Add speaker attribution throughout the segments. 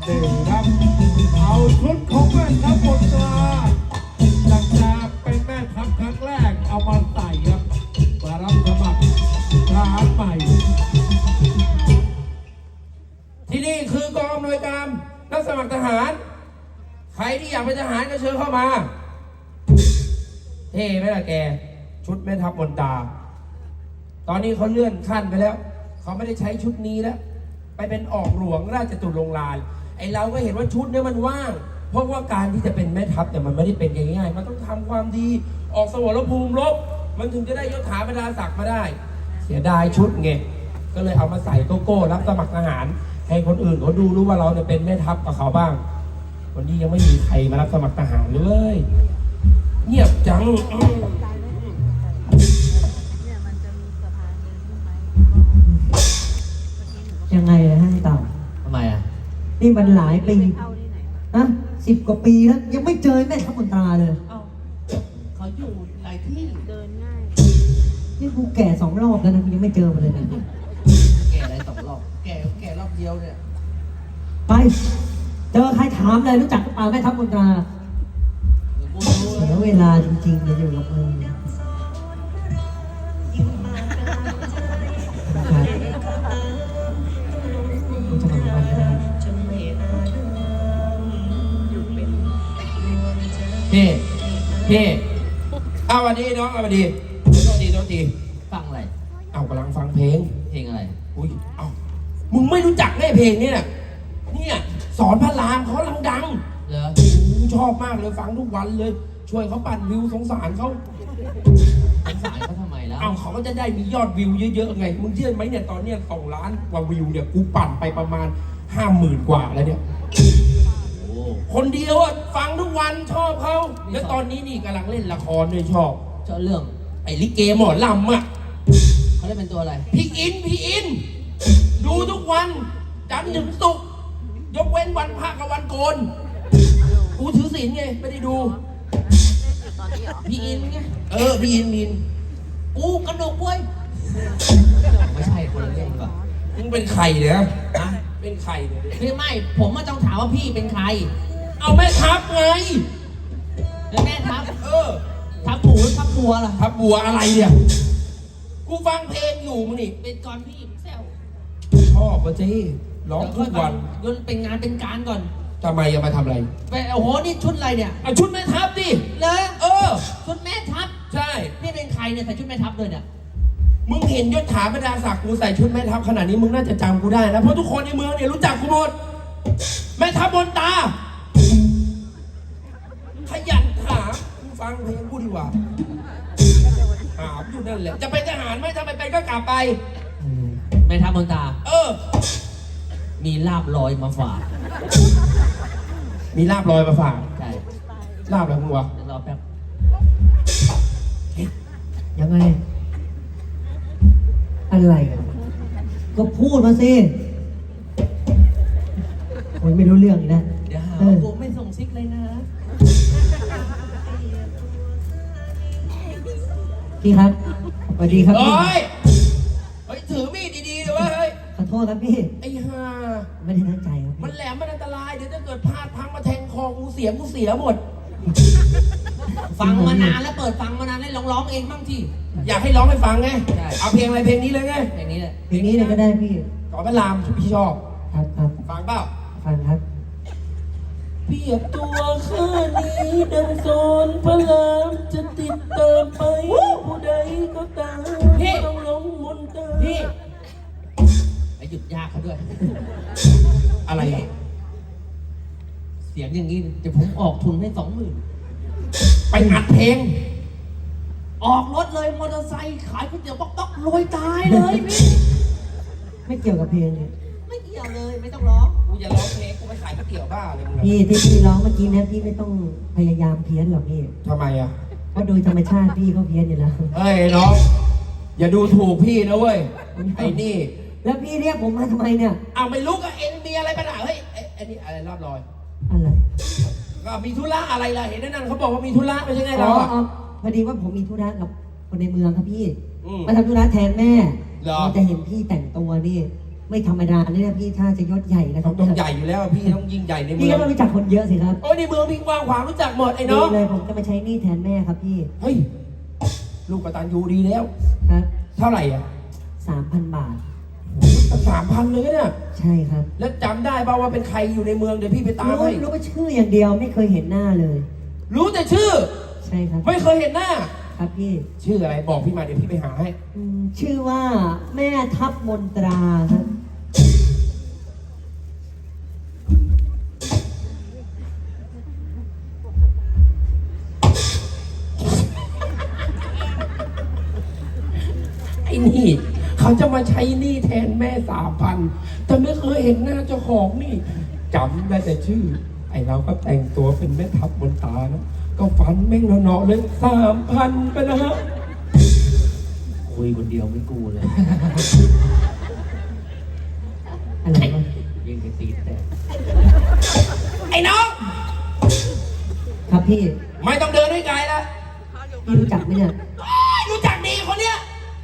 Speaker 1: นี่ครับเอาชุดของแม่ทัพมนตราจากเป็นแม่ทัพครั้งแรกเอามาใส่ครับมารับสมัครทหารใหม่
Speaker 2: ที่นี่คือกองอำนวยการรับสมัครทหารใครที่อยากเป็นทหารก็เชิญเข้ามาเท่ไหมล่ะแกชุดแม่ทัพมนตราตอนนี้เขาเลื่อนขั้นไปแล้วเขาไม่ได้ใช้ชุดนี้แล้วไปเป็นออกหลวงราชตุลงลานไอเราก็เห็นว่าชุดนี้มันว่างเพราะว่าการที่จะเป็นแม่ทัพแต่มันไม่ได้เป็นง่ายๆมันต้องทำความดีออกสมรภูมิรบมันถึงจะได้ยศถาบรรดาศักดิ์มาได้เสียดายชุดไงก็เลยเอามาใส่โกโก้รับสมัครทหารให้คนอื่นเขาดูรู้ว่าเราเนี่ยเป็นแม่ทัพกับเขาบ้างวันนี้ยังไม่มีใครมารับสมัครทหารเลยเงียบจัง
Speaker 3: ยังไงนะฮะเต่า
Speaker 4: ทำไมอ่ะ
Speaker 3: นี่มันหลายปีนะ10 กว่าปีแล้วยังไม่เจอแม่ทัพมนตราเลย
Speaker 4: เอ้าเขาอยู่หลายที่
Speaker 5: เดินง่าย
Speaker 3: นี่กูแก่2 รอบแล้วนะกูยังไม่เจอมันเลยนะ
Speaker 4: แก่อะไร2 รอบแก่รอบเดียวเนี่ย
Speaker 3: ไปเจอใครถามเลยรู้จักหรือเปล่าแม่ทัพมนตรา
Speaker 4: กูรู้
Speaker 3: เสียเวลาจริงๆเลยอยู่กับมึงจะมาวันก็ได้
Speaker 2: พี่เอาวันนี้น้องเอาวันดีโทษที
Speaker 4: ฟังอะไร
Speaker 2: เอากำลังฟังเพลง
Speaker 4: เพลงอะไร
Speaker 2: อุ้ยเอามึงไม่รู้จักแน่เพลงเนี่ยสอนพระรามเขากำลังดัง
Speaker 4: เหรอ
Speaker 2: ชอบมากเลยฟังทุกวันเลย ช่วยเขาปั่นวิวสงสารเขา
Speaker 4: สงสารเขาทำไมแล้ว
Speaker 2: เอาเขาก็จะได้มียอดวิวเยอะๆไงมึงเชื่อไหมเนี่ยตอนเนี้ย2 ล้านกว่าวิวเนี่ยกูปั่นไปประมาณ 50,000 กว่าแล้วเนี่ย
Speaker 4: โอ้
Speaker 2: คนเดียวอ่ะฟังทุกวันชอบเขาแล้วตอนนี้นี่กำลังเล่นละครด้วยชอบ
Speaker 4: เจ้าเรื่อง
Speaker 2: ไอ้ลิเกหมอลำอ่ะ
Speaker 4: เขาได้เป็นตัวอะไร
Speaker 2: พี่อิน ดูทุกวันจันทร์ถึงศุกร์ยกเว้นวันพระกับวันโกนกูถือศีลไงไม่ได้ดู
Speaker 5: ตอนนี้เหรอ
Speaker 4: พี่อินไง
Speaker 2: พี่อิน
Speaker 4: กูกระดกเว้ยไม่ใช่คนละเรื่องป่ะ
Speaker 2: มึงเป็นใครเนี่ยเป็นใครเนี่ย
Speaker 4: คือไม่ผมมาต้องถามว่าพี่เป็นใคร
Speaker 2: เอาแม่ทัพไง
Speaker 4: แล้วแม่ทัพ
Speaker 2: ทัพ
Speaker 4: ทัพหมูทัพบัวล่ะ
Speaker 2: ทัพบัวอะไรเนี่ยกูฟังเพลงอยู่มึงนี่
Speaker 4: เป็นก่อนพี่แซว
Speaker 2: ชอบปะเจ๊ร้องทุกวัน
Speaker 4: ยนเป็นงานเป็นการก่อน
Speaker 2: ทำไมจะมาทำอะไร
Speaker 4: ไปโอ้โหนี่ชุดอะไรเนี่ย
Speaker 2: เอาชุดแม่ทัพดิ
Speaker 4: เลย ชุดแม่ทัพ
Speaker 2: ใช่
Speaker 4: พี่เป็นใครเนี่ยใส่ชุดแม่ทัพเลยเนี่ย
Speaker 2: มึงเห็นยศถาบรรดาศักดิ์กูใส่ชุดแม่ทัพขนาดนี้มึงน่าจะจำกูได้นะเพราะทุกคนในเมืองเนี่ยรู้จักกูหมดแม่ทัพมนตราขยันถามกูฟังเพลงกูดีกว่าถามอยู่นั่นแหละจะเป็นทหารไหมถ้าไม่เป็นก็กลับไป
Speaker 4: แม่ทัพมนตรา มีลาบลอยมาฝาก
Speaker 2: มีลาบลอยมาฝาก
Speaker 4: ใช่
Speaker 2: ลาบอะไรมึงวะ
Speaker 4: เดี๋ยวรอแป๊บ
Speaker 3: ยังไงอะไรกันก็พูดมาสิคนไม่รู้เรื่องอีกนะ
Speaker 4: เดี๋ยวหาว่ากูไม่ส่งซิกเลยนะ
Speaker 3: พี่ครับสวัสดีครับพี่
Speaker 2: เฮ้ยถือมีดดีๆเลยเว้ยเฮ้ย
Speaker 3: ขอโทษครับพี่
Speaker 2: ไอ้ห่า
Speaker 3: ไม่ได้ตั้งใจครับ
Speaker 2: มัน
Speaker 3: พี่
Speaker 2: แหลมมันอันตรายเดี๋ยวถ้าเกิดพลาดพังมาแทงคอกูเสียหมด
Speaker 4: ฟังมานานแล้วเปิดฟังมานานแล้วร้องเองบ้างที่
Speaker 2: อยากให้ร้องให้ฟังไง
Speaker 4: ใช่
Speaker 2: เอาเพลงอะไรเพลงนี้เลยไง
Speaker 4: อย่างนี้แหละ
Speaker 3: เพลงนี้เลยก็ได้พี่
Speaker 2: ขอพระรามพี่ชอบ
Speaker 3: ครับครับ
Speaker 2: ฟังเปล่า
Speaker 3: ฟังครับ
Speaker 2: เปรียบตัวข้านี้ดังโซนพระรามจะติดตามไปผู้ใดก็ตามต้องลงมนตรา
Speaker 4: พี่ไอ้หยุดยากเขาด้วย
Speaker 2: อะไรอ่ะ
Speaker 4: เสียงอย่างนี้เดี๋ยวผมออกทุนให้20,000
Speaker 2: ไปอัดเพลง
Speaker 4: ออกรถเลยมอเตอร์ไซค์ขายก๋วยเตี๋ยวป๊อกๆรวยตายเลยพี่
Speaker 3: ไม่เกี่ยวกับเพลงเลย
Speaker 4: ไม่เกี่ยวเลยไม่ต้องร้อง
Speaker 2: กูจะร้องเพลงกูไปขายก๋วยเตี๋ยวบ้าเลยมึง
Speaker 3: พี่ที่พี่ร้องเมื่อกี้เนะพี่ไม่ต้องพยายามเพี้ยนหรอกพี่
Speaker 2: ทำไมอ่ะ
Speaker 3: เพราะโดยธรรมชาติพี่ก็เพี้ยนอยู่แล้ว
Speaker 2: เฮ้ยน้อง อย่าดูถูกพี่นะเว้ย ไอ้นี่
Speaker 3: แล้วพี่เรียกผมมาทำไมเนี่ย
Speaker 2: เอาไม่รู้ก็เอ็นมีอะไรปัญหาเฮ้ยไอ้นี่อะไรลาบลอย
Speaker 3: อะไร
Speaker 2: ก็มีธุระอะไรล่ะ เห็นนั่นเขาบอกว่ามีธุระไม่ใช่ไง
Speaker 3: อ๋
Speaker 2: เรา
Speaker 3: อ
Speaker 2: อ่ะ
Speaker 3: อ๋อพอดีว่าผมมีธุระกับคนในเมืองครับพี่
Speaker 2: อืม
Speaker 3: มาทำธุระแทนแม่
Speaker 2: เหรอ
Speaker 3: เราจะเห็นพี่แต่งตัวนี่ไม่ธรรมดาเนี่ยพี่ถ้าจะยศใหญ่นะครั
Speaker 2: ต้องใหญ่อยู่แล้วพี่ต้องยิ่งใหญ่ในเมื
Speaker 3: พี่
Speaker 2: อ
Speaker 3: ก็
Speaker 2: ง
Speaker 3: ต้องรู้จักคนเยอะสิครับ
Speaker 2: โอ้ยในเมืองพี่กว้างขวางรู้จักหมดไอ้น้
Speaker 3: ดี
Speaker 2: อง
Speaker 3: เลยผมจะมาใช้หนี้แทนแม่ครับพี่
Speaker 2: เฮ้ยลูกกตัญญูดีแล้ว
Speaker 3: ครับ
Speaker 2: เท่าไหร่อ่ะ
Speaker 3: 3,000 บาท
Speaker 2: 3,000เลยเนี่ย
Speaker 3: ใช่ครับ
Speaker 2: แล้วจำได้ป่าวว่าเป็นใครอยู่ในเมืองเดี๋ยวพี่ไปตาม
Speaker 3: รู้
Speaker 2: ให้
Speaker 3: รู้ว่าชื่ออย่างเดียวไม่เคยเห็นหน้าเลย
Speaker 2: รู้แต่ชื่อ
Speaker 3: ใช่ครับ
Speaker 2: ไม่เคยเห็นหน้า
Speaker 3: ครับพี่
Speaker 2: ชื่ออะไรบอกพี่มาเดี๋ยวพี่ไปหาให้
Speaker 3: ชื่อว่าแม่ทัพมนตราครับ
Speaker 2: ไอ้นี่เขาจะมาใช้หนี้แทนแม่3,000แต่ไม่เคยเห็นหน้าเจ้าของนี่จำได้แต่ชื่อ ไอ้เราก็แต่งตัวเป็นแม่ทัพบนตานะก็ฟันแม่งเนาะๆเลย3,000ไปนะฮะ
Speaker 4: คุยคนเดียวไม่กูเลย
Speaker 3: อะไรวะ
Speaker 4: ยิงกระตีแต่
Speaker 2: ไอ้น้อง
Speaker 3: ครับพี่
Speaker 2: ไม่ต้องเดินด้วยไกลละ
Speaker 3: พี่รู้จักไหมเนี่ย
Speaker 2: รู้จักดีคนเนี้ย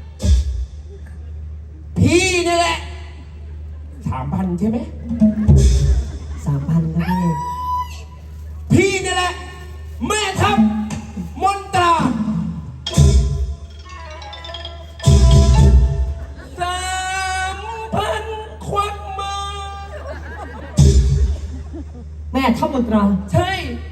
Speaker 2: พี่นี่แหละ3,000ใช่ไหม
Speaker 3: 3,000ครับพี่
Speaker 2: พี่นี่แหละแม่ทัพมนตรา3,000ควักมา
Speaker 3: แม่ทัพมนตรา
Speaker 2: ใช่